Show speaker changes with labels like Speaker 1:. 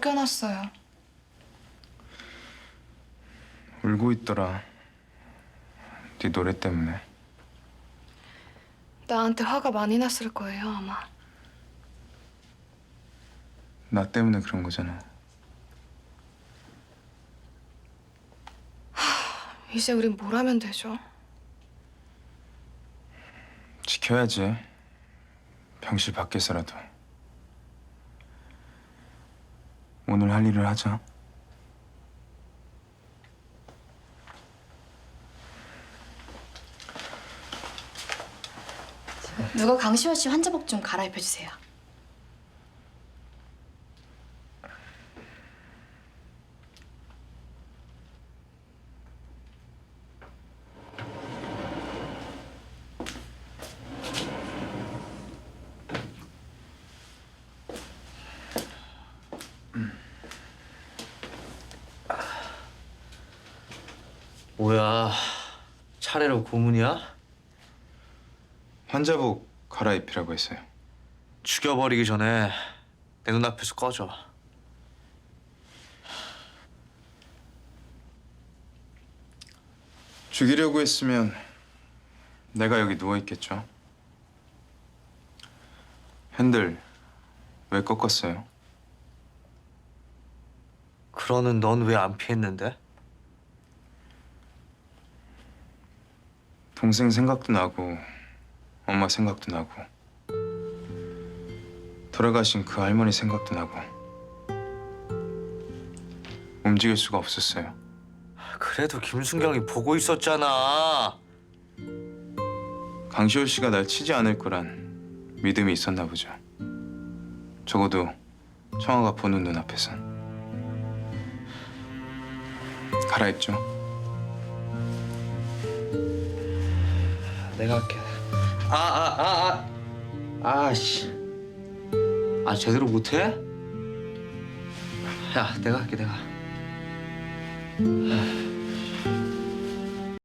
Speaker 1: 쫓겨났어요.
Speaker 2: 울고 있더라. 네 노래 때문에.
Speaker 1: 나한테 화가 많이 났을 거예요, 아마.
Speaker 2: 나 때문에 그런 거잖아.
Speaker 1: 이제 우린 뭘 하면 되죠?
Speaker 2: 지켜야지. 병실 밖에서라도. 오늘 할 일을 하자.
Speaker 3: 누가 강시호 씨 환자복 좀 갈아입혀 주세요.
Speaker 4: 뭐야, 차례로 고문이야?
Speaker 2: 환자복 갈아입히라고 했어요.
Speaker 4: 죽여버리기 전에 내 눈앞에서 꺼져.
Speaker 2: 죽이려고 했으면 내가 여기 누워 있겠죠. 핸들 왜 꺾었어요?
Speaker 4: 그러는 넌 왜 안 피했는데?
Speaker 2: 동생 생각도 나고 엄마 생각도 나고 돌아가신 그 할머니 생각도 나고 움직일 수가 없었어요.
Speaker 4: 그래도 김순경이 보고 있었잖아.
Speaker 2: 강시호 씨가 날 치지 않을 거란 믿음이 있었나 보죠. 적어도 청아가 보는 눈앞에선. 갈아입죠.
Speaker 4: 내가 할게. 아씨. 아, 제대로 못해? 야, 내가 할게, 내가.